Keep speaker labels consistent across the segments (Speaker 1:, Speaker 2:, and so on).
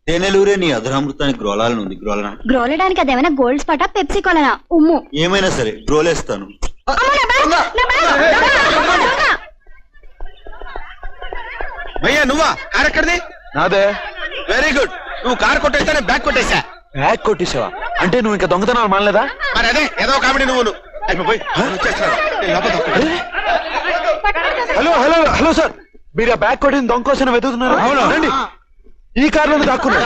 Speaker 1: తేనెలూరే నీ అధరామృతానికి గ్రోలాలను ఉంది. గ్రోలనా
Speaker 2: గ్రోలడానికి అదేమైనా గోల్డ్ స్పాటా పెప్సీ కొలనా? ఉమ్ము
Speaker 1: ఏమైనా సరే గ్రోలేస్తాను.
Speaker 3: భయ్యా నువ్వా? కార్ ఎక్కడిది?
Speaker 4: నాదే.
Speaker 3: Very good. నువ్వు కార్ కొట్టేస్తానే బ్యాగ్ కొట్టేశా.
Speaker 4: బ్యాగ్ కొట్టేసావా? అంటే నువ్వు ఇంకా దొంగతనాలు మానలేదా?
Speaker 3: మరి అదే ఏదో కామెడీ నువ్వు.
Speaker 4: హలో హలో హలో సార్, మీరు ఆ బ్యాగ్ కొట్టిన దొంగ కోసం వెతుకుతున్నారు. అవును రండి, ఈ కార్ లో దాక్కున్నారు.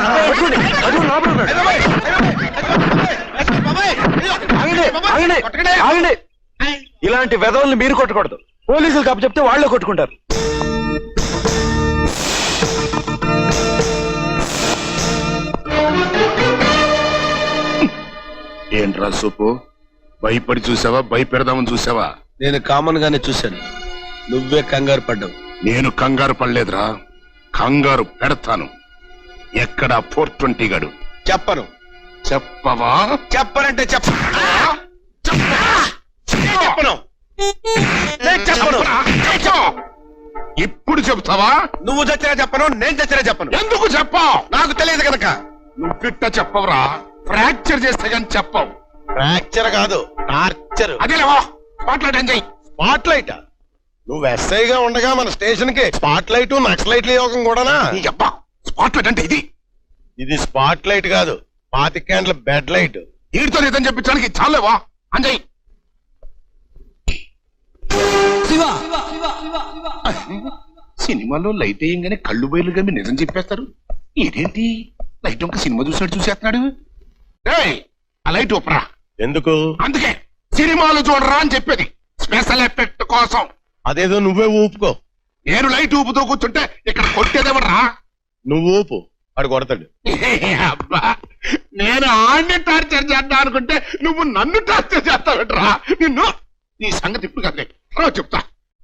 Speaker 4: ఆగండి, ఇలాంటి వెధవల్ని మీరు కొట్టకూడదు. పోలీసులు కప్పు చెప్తే వాళ్ళే కొట్టుకుంటారు.
Speaker 5: ఏంట్రా సూపు, భయపడి చూసావా భయపెడదామని చూసావా?
Speaker 3: నేను కామన్ గానే చూశాను, నువ్వే కంగారు పడ్డావు.
Speaker 5: నేను కంగారు పడలేదురా, కంగారు పెడతాను. ఎక్కడ 420 గడు?
Speaker 3: చెప్పను.
Speaker 5: చెప్పవా?
Speaker 3: చెప్పనంటే చెప్పను.
Speaker 5: ఇప్పుడు చెప్తావా?
Speaker 3: నువ్వు చచ్చినా చెప్పను, నేను చచ్చినా చెప్పను.
Speaker 5: ఎందుకు చెప్పావు?
Speaker 3: నాకు తెలియదు కనుక.
Speaker 5: నువ్విట్ట చెప్పవురా, ఫ్రాక్చర్ చేస్తే గాని చెప్పవు.
Speaker 3: ఫ్రాక్చర్ కాదు, టార్చర్.
Speaker 5: అదేలేవా, spot light enjoy.
Speaker 3: Spot light? నువ్వు ఎస్ఐగా ఉండగా మన స్టేషన్ కి స్పాట్ లైట్ నక్సలైట్ల యోగం కూడానా?
Speaker 5: స్పాట్ లైట్ అంటే ఇది.
Speaker 3: ఇది స్పాట్ లైట్ కాదు, 25 క్యాండ్ల బెడ్ లైట్.
Speaker 5: వీడితో నిజం చెప్పించడానికి చాలేవా అంజయ్? సినిమాలో లైట్ వేయంగానే కళ్ళు బయలు గమ్మి నిజం చెప్పేస్తారు. ఇదేంటి లైట్ ఒక సినిమా చూసినట్టు చూసేస్తున్నాడు. ఏయ్, ఆ లైట్ ఒప్పరా.
Speaker 3: ఎందుకు?
Speaker 5: అందుకే సినిమాలు చూడరా అని చెప్పేది, స్పెషల్ ఎఫెక్ట్ కోసం.
Speaker 3: అదేదో నువ్వే ఊపుకో.
Speaker 5: నేను లైట్ ఊపుతూ కూర్చుంటే ఇక్కడ కొట్టేదేమరా?
Speaker 3: నువ్వు ఊపు, వాడు కొడతాడు.
Speaker 5: అబ్బా, నేను ఆడిని టార్చర్ చేద్దాం అనుకుంటే నువ్వు నన్ను టార్చర్ చేస్తావుట్రా. నిన్ను నీ సంగతి ఇప్పుడు కదే చెప్తా.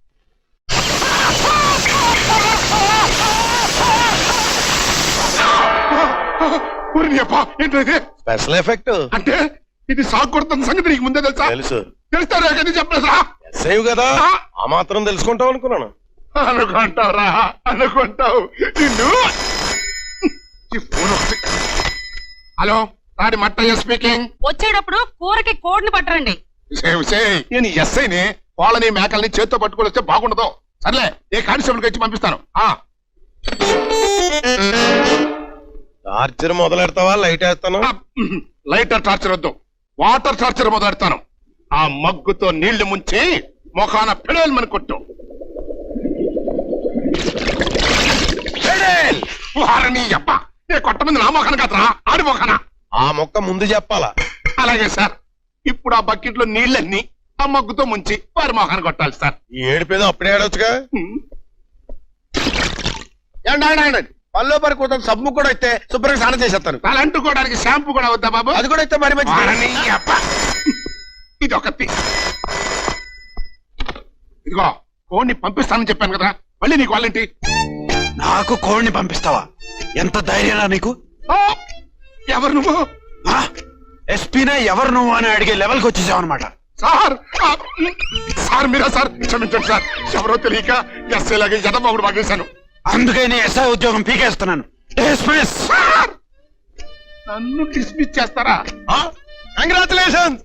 Speaker 5: ఏంటది?
Speaker 3: స్పెషల్ ఎఫెక్ట్
Speaker 5: అంటే ఇది సాగు కొడుతున్న సంగతి నీకు ముందే తెలుసా?
Speaker 3: తెలుసు.
Speaker 5: తెలుస్తారా కదా చెప్పలేదా?
Speaker 3: ఎస్ఐ కదా, ఆ మాత్రం తెలుసుకుంటావు అనుకున్నాను.
Speaker 5: అనుకుంటావురా, అనుకుంటావు. నిన్ను హలో, రాడి మట్టయ్య స్పీకింగ్.
Speaker 6: వచ్చేటప్పుడు కూరకి కోడిని పట్టరండి.
Speaker 5: నేను ఎస్ఐని, వాళ్ళని మేకల్ని చేత్తో పట్టుకొని వస్తే బాగుండదు. సర్లే, ఏ కానిస్టేబుల్ ఇచ్చి పంపిస్తాను.
Speaker 3: టార్చర్ మొదలెడతావా లైట్ వేస్తాను?
Speaker 5: లైటర్ టార్చర్ వద్దు, వాటర్ టార్చర్ మొదలెడతాను. ఆ మగ్గుతో నీళ్లు ముంచి మొఖాన పెడేల్మని కొట్టు. వారని అబ్బా, నేను కొట్టమంది నా మొఖాన కాదురా, ఆడి మొఖాన.
Speaker 3: ఆ మొక్క ముందు చెప్పాలా?
Speaker 5: అలాగే సార్. ఇప్పుడు ఆ బకెట్ లో నీళ్ళన్నీ ఆ మగ్గుతో ముంచి వారి మొఖాన కొట్టాలి సార్.
Speaker 3: ఈ ఏడుపేదో అప్పుడే ఆడొచ్చుగా. పల్లో పరి కూతురు సబ్బు కూడా అయితే శుభ్రంగా స్నానం చేసేస్తాను.
Speaker 5: అలా అంటుకోవడానికి షాంపూ కూడా వద్దా బాబు?
Speaker 3: అది కూడా అయితే మరి
Speaker 5: వారని అబ్బా. ఇది ఒకటి. ఇదిగో కోడిని పంపిస్తానని చెప్పాను కదా, మళ్ళీ నీకు వాళ్ళేంటి?
Speaker 4: నాకు కోడిని పంపిస్తావా? ఎంత ధైర్యం నీకు?
Speaker 5: ఎవరు నువ్వు?
Speaker 4: ఎస్పీనే ఎవరు నువ్వు అని అడిగే లెవెల్కి వచ్చేసావు అనమాట.
Speaker 5: సార్, సార్ మీరా సార్? క్షమించండి సార్, ఎవరో తెలియక ఎస్ఐ లాగే జనమగుడు పగేశాను.
Speaker 4: అందుకే నేను ఎస్ఐ ఉద్యోగం పీకేస్తున్నాను. డిస్మిస్.
Speaker 5: నన్ను డిస్మిస్ చేస్తారా?
Speaker 3: కంగ్రాచులేషన్స్.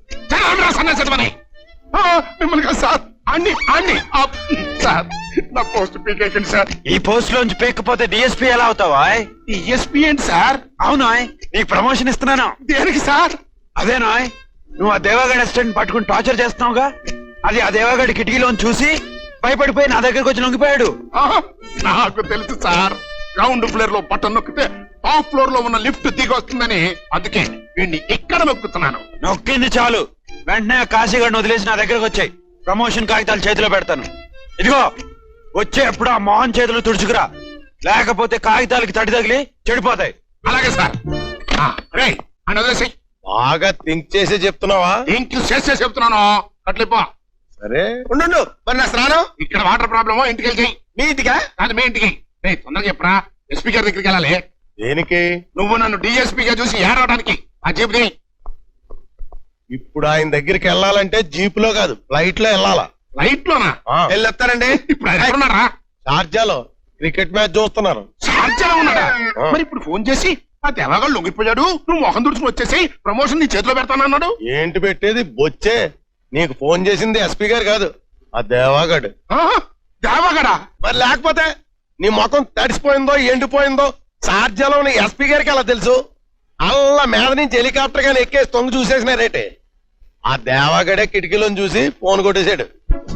Speaker 5: మిమ్మల్ని కాదు సార్, అన్ని అన్ని సార్, నా పోస్ట్ పీకేకండి సార్.
Speaker 4: ఈ పోస్ట్ లోంచి పీకపోతే డిఎస్పీ ఎలా అవుతావా?
Speaker 5: డిఎస్పీ ఏంటి సార్?
Speaker 4: అవునా, నీకు ప్రమోషన్ ఇస్తున్నాను.
Speaker 5: దేనికి సార్?
Speaker 4: అదేనా, నువ్వు ఆ దేవాగడ్ అసిస్టెంట్ పట్టుకుని టార్చర్ చేస్తున్నావుగా, అది ఆ దేవాగడ్ కిటికీలోని చూసి భయపడిపోయి నా దగ్గరకు వచ్చి లొంగిపోయాడు.
Speaker 5: నాకు తెలుసు సార్, గ్రౌండ్ ఫ్లోర్ లో బటన్ నొక్కితే టాప్ ఫ్లోర్ లో ఉన్న లిఫ్ట్ దిగి వస్తుందని, అందుకే వీడిని ఇక్కడ నొక్కుతున్నాను.
Speaker 4: నొక్కింది చాలు, వెంటనే కాశీగడ్ని వదిలేసి నా దగ్గరకు వచ్చాయి. ప్రమోషన్ కాగితాలు చేతిలో పెడతాను. ఇదిగో, వచ్చే ఎప్పుడు ఆ మోహన్ చేతులు తుడుచుకురా, లేకపోతే కాగితాలకి తడి తగిలి చెడిపోతాయి.
Speaker 5: అలాగే సార్. రే అని వదిలేసి.
Speaker 3: బాగా థింక్ చేసి చెప్తున్నావా?
Speaker 5: ఇంటి చేసే చెప్తున్నాను, అట్లిపో.
Speaker 3: సరే ఉండు, మరి నా స్నానం
Speaker 5: ఇక్కడ వాటర్ ప్రాబ్లమ్, ఇంటికి వెళ్ళి
Speaker 3: మీ ఇంటికా?
Speaker 5: కాదు మీ ఇంటికి. తొందరగా చెప్పరా, ఎస్పీ గారి దగ్గరికి వెళ్ళాలి.
Speaker 3: దేనికి?
Speaker 5: నువ్వు నన్ను డిఎస్పీగా చూసి ఏడవడానికి. ఆ జీప్ ది.
Speaker 3: ఇప్పుడు ఆయన దగ్గరికి వెళ్ళాలంటే జీప్ లో కాదు, ఫ్లైట్ లో వెళ్ళాలా.
Speaker 5: ఫ్లైట్ లోనా?
Speaker 3: వెళ్ళొస్తానండి.
Speaker 5: ఇప్పుడు ఆయన ఎక్కడున్నారా?
Speaker 3: షార్జాలో క్రికెట్ మ్యాచ్ చూస్తున్నారు.
Speaker 5: షార్జాలో ఉన్నాడా? మరి ఇప్పుడు ఫోన్ చేసి ఆ దేవాగాడు లొంగిపోయాడు, నువ్వు మొహం దుడుచుకుని వచ్చేసి ప్రమోషన్ నీ చేతిలో పెడతానన్నాడు.
Speaker 3: ఏంటి పెట్టేది బొచ్చే? నీకు ఫోన్ చేసింది ఎస్పీ గారు కాదు, ఆ దేవాగాడు.
Speaker 5: ఆహా, దేవాగాడా?
Speaker 3: మరి లేకపోతే నీ ముఖం తడిసిపోయిందో ఎండిపోయిందో సార్జలో ఉన్న ఎస్పీ గారికి అలా తెలుసు. అల్లా మీద నుంచి హెలికాప్టర్ గాని ఎక్కేసి తొంగి చూసేసినారేటే. ఆ దేవాగడే కిటికీలోని చూసి ఫోన్ కొట్టేశాడు.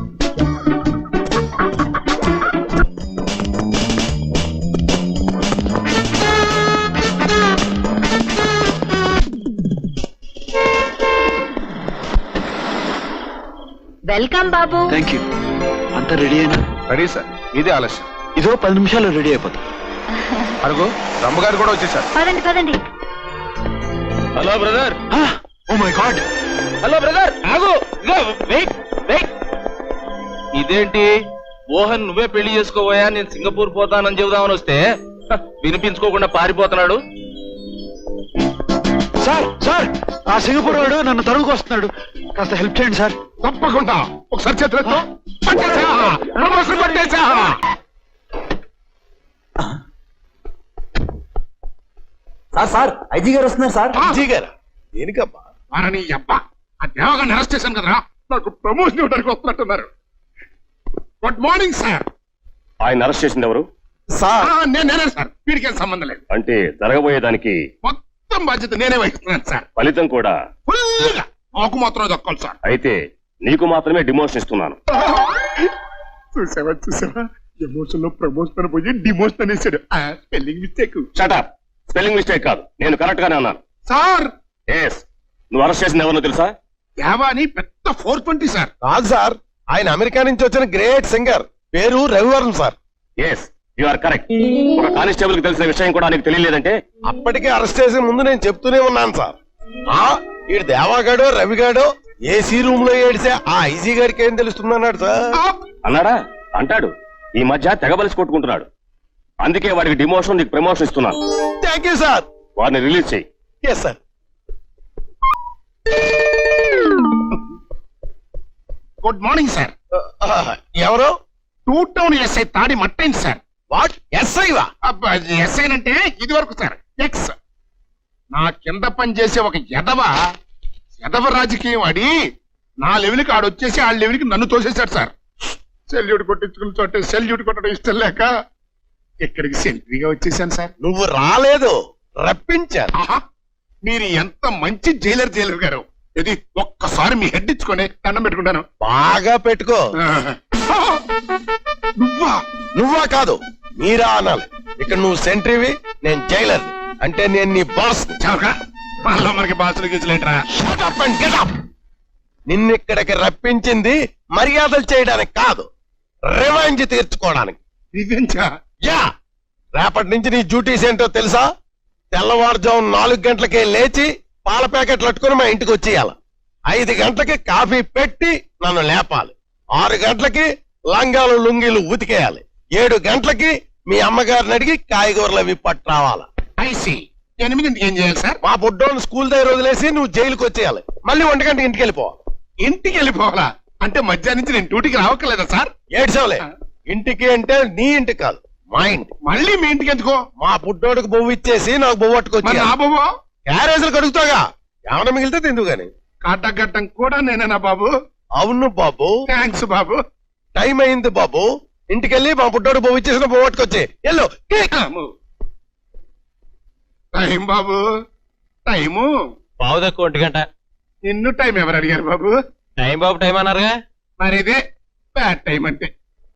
Speaker 2: వెల్కమ్ బాబు.
Speaker 4: Thank you. అంతా రెడీ అయినా?
Speaker 5: రెడీ సార్, ఇదే ఆలస్యం.
Speaker 4: ఇదో 10 నిమిషాలు రెడీ అయిపోతాం.
Speaker 5: అరుగు రమ్మగారు కూడా వచ్చేసారు.
Speaker 2: పదండి పదండి.
Speaker 3: Hello brother.
Speaker 4: Oh my god.
Speaker 7: Hello brother, ఆగు. Wait wait. ఇదేంటి మోహన్ నువ్వే పెళ్లి చేసుకోబోయా, నేను సింగపూర్ పోతానని చెబుదామని వస్తే వినిపించుకోకుండా పారిపోతున్నాడు.
Speaker 4: సార్ సార్, ఆ సింగపూర్ వాడు నన్ను తరువుకు వస్తున్నాడు, కాస్త హెల్ప్ చేయండి సార్.
Speaker 5: తప్పకుండా ఒకసారి చేతులెత్తు. పట్టేశా, ప్రమోషన్ పట్టేశా.
Speaker 1: సార్ ఐజీ గారు వస్తున్నారు సార్.
Speaker 3: విజయ్ గారా? దేనికబ్బా?
Speaker 5: వారని అబ్బా, ఆ దేవగాన్ని అరెస్ట్ చేశాను కదరా, నాకు ప్రమోషన్ ఇవ్వడానికి వస్తున్నట్టున్నారు. Good morning sir.
Speaker 8: ఆయన అరెస్ట్ చేసింది ఎవరు?
Speaker 3: సార్
Speaker 5: నేనే సార్, వీడికి ఏం సంబంధం లేదు.
Speaker 8: అంటే జరగబోయేదానికి
Speaker 5: మొత్తం బాధ్యత నేనే వహిస్తున్నాను సార్.
Speaker 8: ఫలితం కూడా
Speaker 5: ఫుల్గా నాకు మాత్రమే దక్కాలి సార్.
Speaker 8: అయితే నీకు మాత్రమే డిమోషన్ ఇస్తున్నాను.
Speaker 5: చూసావా ఎమోషన్ లో ప్రమోషన్ పోయి డిమోషన్ అనేసాడు. Spelling mistake
Speaker 8: shut up. Spelling mistake కాదు, నేను కరెక్ట్ గానే అన్నాను.
Speaker 5: సార్.
Speaker 8: ఎస్, నువ్వు అరెస్ట్ చేసింది ఎవరో తెలుసా?
Speaker 5: దేవాని పెద్ద 420 సార్.
Speaker 3: కాదు సార్, ఆయన అమెరికా నుంచి వచ్చిన గ్రేట్ సింగర్, పేరు Ravivarma sir.
Speaker 8: Yes, you are correct. ఒక కానిస్టేబుల్ కి తెలిసిన విషయం కూడా నీకు తెలియలేదంటే?
Speaker 3: అప్పటికే అరెస్ట్ చేసే ముందు నేను చెప్తూనే ఉన్నాను సార్. ఈ దేవాగాడో రవిగాడో ఏసీ రూమ్ లో ఏడిసే ఆ ఐజీ గారికి ఏం తెలుస్తుందన్నాడు సార్.
Speaker 8: అన్నాడా? అంటాడు. ఈ మధ్య తెగబలిసి కొట్టుకుంటున్నాడు. అందుకే వాడికి డిమోషన్, నీకు ప్రమోషన్ ఇస్తున్నాను.
Speaker 3: Thank you sir.
Speaker 8: వాడిని రిలీజ్ చేయి.
Speaker 3: Yes sir.
Speaker 5: Good morning sir.
Speaker 3: ఎవరు?
Speaker 5: 2 టౌన్ ఎస్ఐ తాడి మట్టైంది సార్.
Speaker 3: వాట్? ఎస్ఐవా?
Speaker 5: ఎస్ఐ అంటే ఇది వరకు సార్ ఎక్స్. నా కింద పని చేసే ఒక ఎదవ రాజకీయం ఆడి నా లెవెల్కి ఆడొచ్చేసి ఆ లెవెల్కి నన్ను తోసేశాడు సార్. సెల్యూట్ కొట్టించుకున్న చోటే సెల్యూట్ కొట్టడం ఇష్టం లేక ఇక్కడికి సెంట్రీగా వచ్చేసాను సార్.
Speaker 3: నువ్వు రాలేదు, రప్పించాను.
Speaker 5: ఆహా, మీరు ఎంత మంచి జైలర్ గారు. ఇది ఒక్కసారి మీ హెడ్ ఇచ్చుకొని దండం పెట్టుకుంటాను.
Speaker 3: బాగా పెట్టుకో.
Speaker 5: నువ్వా?
Speaker 3: నువ్వా కాదు, మీరా అనాలి. ఇక్కడ నువ్వు సెంట్రీవి, నేను జైలర్. అంటే నేను నీ బాస్.
Speaker 5: చవక మనలో మనకి బాసులు గీసులేట్రా.
Speaker 3: నిన్నిక్కడికి రప్పించింది మర్యాదలు చేయడానికి కాదు, రివెంజ్ తీర్చుకోవడానికి.
Speaker 5: రివెంజా?
Speaker 3: యా, రేపటి నుంచి నీ డ్యూటీస్ ఏంటో తెలుసా? తెల్లవారుజాము 4 గంటలకే లేచి పాల ప్యాకెట్లు అట్టుకుని మా ఇంటికి వచ్చేయాలి. 5 గంటలకి కాఫీ పెట్టి నన్ను లేపాలి. 6 గంటలకి లంగాలు లుంగీలు ఉతికేయాలి. 7 గంటలకి మీ అమ్మగారిని అడిగి కాయగూరలు అవి పట్టురావాలి.
Speaker 5: ఐసి 8 ఏం చేయాలి సార్?
Speaker 3: మా బుడ్డోని స్కూల్ దగ్గర వదిలేసి నువ్వు జైలుకి వచ్చేయాలి. మళ్ళీ 1 గంటకి ఇంటికి వెళ్ళిపోవాలి.
Speaker 5: ఇంటికి వెళ్ళిపోవాలా? అంటే మధ్యాహ్నం నుంచి నేను డ్యూటీకి రావక్కర్లేదా సార్?
Speaker 3: ఏడ్చవలే. ఇంటికి అంటే నీ ఇంటికి కాదు, మా ఇంటి.
Speaker 5: మళ్ళీ మీ ఇంటికి ఎందుకో?
Speaker 3: మా బుడ్డోడికి బొవ్వు ఇచ్చేసి నాకు బొవ్వు
Speaker 5: మరి
Speaker 3: పట్టుకొచ్చి
Speaker 5: నా బాబు
Speaker 3: క్యారేజీలు కడుగుతాగా, ఏమైనా మిగిలితే తిందు గాని.
Speaker 5: కట్టగట్టం కూడా నేనేనా బాబు?
Speaker 3: అవును బాబు.
Speaker 5: థ్యాంక్స్ బాబు.
Speaker 3: టైం అయింది బాబు. ఇంటికెళ్ళి మా బుడ్డోడు బొవ్వు ఇచ్చేసిన బొవ్వు పట్టుకొచ్చి ఎల్లు.
Speaker 5: టైం బాబు, టైము.
Speaker 7: పావు తక్కువ 1 గంట.
Speaker 5: నిన్ను టైం ఎవరు అడిగారు బాబు?
Speaker 7: టైం బాబు టైం అన్నారుగా.
Speaker 5: మరి ఇదే బ్యాడ్ టైం అంటే.